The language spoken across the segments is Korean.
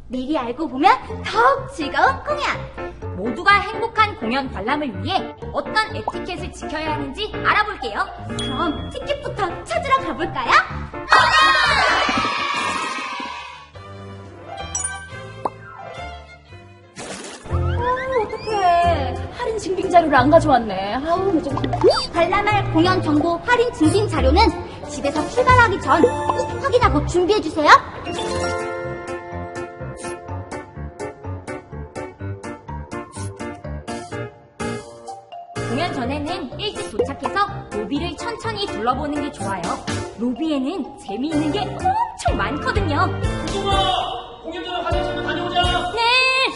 미리 알고 보면 더욱 즐거운 공연! 모두가 행복한 공연 관람을 위해 어떤 에티켓을 지켜야 하는지 알아볼게요. 그럼 티켓부터 찾으러 가볼까요? 어떡해. 할인 증빙 자료를 안 가져왔네. 관람할 공연 정보 할인 증빙 자료는 집에서 출발하기 전 꼭 확인하고 준비해주세요. 공연 전에는 일찍 도착해서 로비를 천천히 둘러보는 게 좋아요. 로비에는 재미있는 게 엄청 많거든요. 우와! 공연 전에 화장실 다녀오자! 네!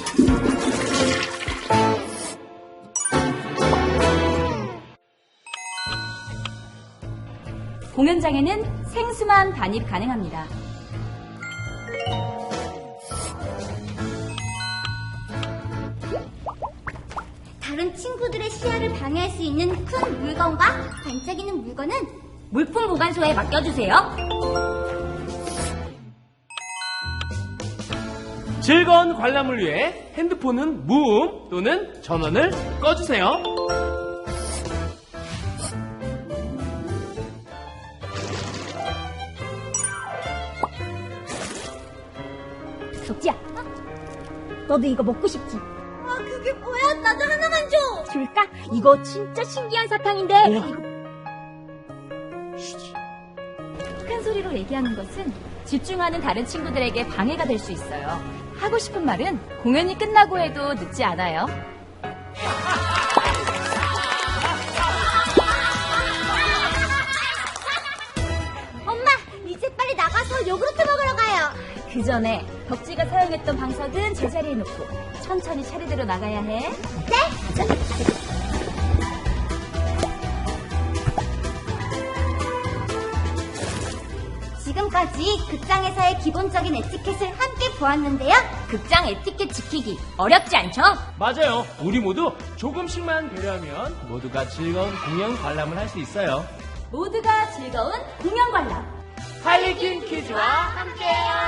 공연장에는 생수만 반입 가능합니다. 다른 친구들의 시야를 방해할 수 있는 큰 물건과 반짝이는 물건은 물품 보관소에 맡겨주세요. 즐거운 관람을 위해 핸드폰은 무음 또는 전원을 꺼주세요. 덕지야, 너도 이거 먹고 싶지? 아, 그게 뭐야? 나도 하나만 줘! 줄까? 이거 진짜 신기한 사탕인데. 우와. 큰 소리로 얘기하는 것은 집중하는 다른 친구들에게 방해가 될 수 있어요. 하고 싶은 말은 공연이 끝나고 해도 늦지 않아요. 엄마, 이제 빨리 나가서 요구르트 먹으러 가요. 그 전에 덕지가 사용했던 방석은 제자리에 놓고 천천히 차례대로 나가야 해. 네? 지금까지 극장에서의 기본적인 에티켓을 함께 보았는데요. 극장 에티켓 지키기 어렵지 않죠? 맞아요. 우리 모두 조금씩만 배려하면 모두가 즐거운 공연 관람을 할 수 있어요. 모두가 즐거운 공연 관람. 할리퀸 퀴즈와 함께해요.